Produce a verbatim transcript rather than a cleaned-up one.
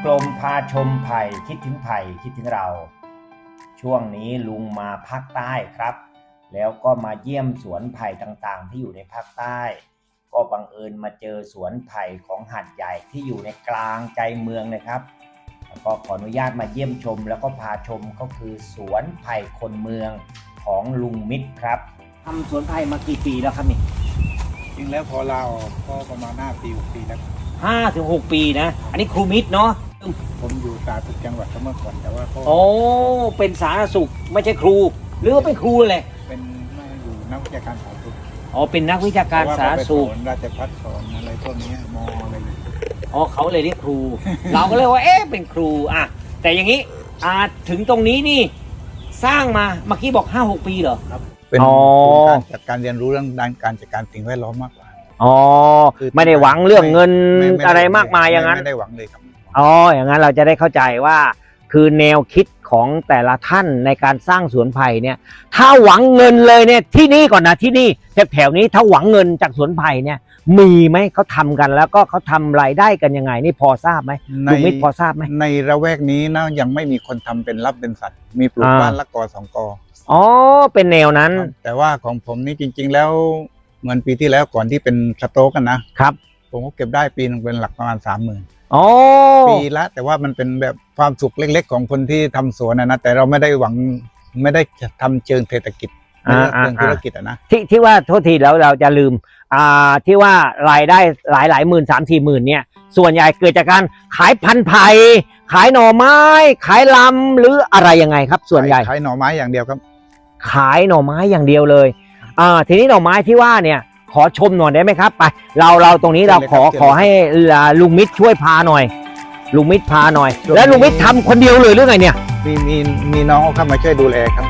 กลมพาชมไผ่คิดถึงไผ่คิดถึงเราช่วงนี้ลุงมาภาคใต้ครับแล้วก็มาเยี่ยมสวนไผ่ต่างๆที่อยู่ในภาคใต้ก็บังเอิญมาเจอสวนไผ่ของหาดใหญ่ที่อยู่ในกลางใจเมืองเลยครับแล้วก็ขออนุญาตมาเยี่ยมชมแล้วก็พาชมก็คือสวนไผ่คนเมืองของลุงมิตรครับทำสวนไผ่มากี่ปีแล้วครับนี่จริงแล้วพอลาออกก็ประมาณห้าปีหกปีแล้วห้าถึงหกปีนะอันนี้ครูมิตรเนาะผมอยู่สาธารณสุขจังหวัดเมื่อก่อนแต่ว่าก็โอ้เป็นสาธารณสุขไม่ใช่ครูหรือว่าเป็นครูเลยเป็นไม่อยู่นักวิชาการสาธารณสุขอ๋อเป็นนักวิชาการสาธารณสุขราชภัฏสอนอะไรพวกนี้มออะไรอ๋อเขาเลยเรียกครู เราก็เลยว่าเอ๊ะเป็นครูอ่ะแต่อย่างนี้อ่าถึงตรงนี้นี่สร้างมาเมื่อกี้บอกห้าหกปีเหรอครับเป็นการจัดการเรียนรู้เรื่องด้านการจัดการสิ่งแวดล้อมมากกว่าอ๋อไม่ได้หวังเรื่องเงินอะไรมากมายอย่างนั้นไม่ได้หวังเลยครับอ๋ออย่างนั้นเราจะได้เข้าใจว่าคือแนวคิดของแต่ละท่านในการสร้างสวนไผ่เนี่ยถ้าหวังเงินเลยเนี่ยที่นี่ก่อนนะที่นี่แถวๆนี้ถ้าหวังเงินจากสวนไผ่เนี่ยมีไหมเขาทำกันแล้วก็เขาทำรายได้กันยังไงนี่พอทราบไหมลุงมิตรพอทราบไหมในระแวกนี้นะยังไม่มีคนทำเป็นรับเป็นสัตว์มีปลูกบ้านละกอสองกออ๋อเป็นแนวนั้นแต่ว่าของผมนี่จริงๆแล้วเหมือนปีที่แล้วก่อนที่เป็นสโต๊กกันนะครับผมก็เก็บได้ปีนึงเป็นหลักประมาณสามหมื่นปีละแต่ว่ามันเป็นแบบความสุขเล็กๆของคนที่ทำสวนนะนะแต่เราไม่ได้หวังไม่ได้ทำเชิงเศรษฐกิจไม่ได้เชิงธุรกิจอะนะที่ที่ว่าโทษทีแล้วเราจะลืมอ่าที่ว่ารายได้หลายหลายหมื่นสามสี่หมื่นเนี่ยส่วนใหญ่เกิดจากการขายพันธุ์ไผ่ขายหน่อไม้ขายลำหรืออะไรยังไงครับส่วนใหญ่ขายหน่อไม้อย่างเดียวครับขายหน่อไม้อย่างเดียวเลยอ่าทีนี้หน่อไม้ที่ว่าเนี่ยขอชมหน่อยได้ไหมครับไปเราเราตรงนี้เราขอขอให้ลุงมิตรช่วยพาหน่อยลุงมิตรพาหน่อยแล้วลุงมิตรทำคนเดียวเลยหรือไงเนี่ยมีมีมีน้องเข้ามาช่วยดูแลครับ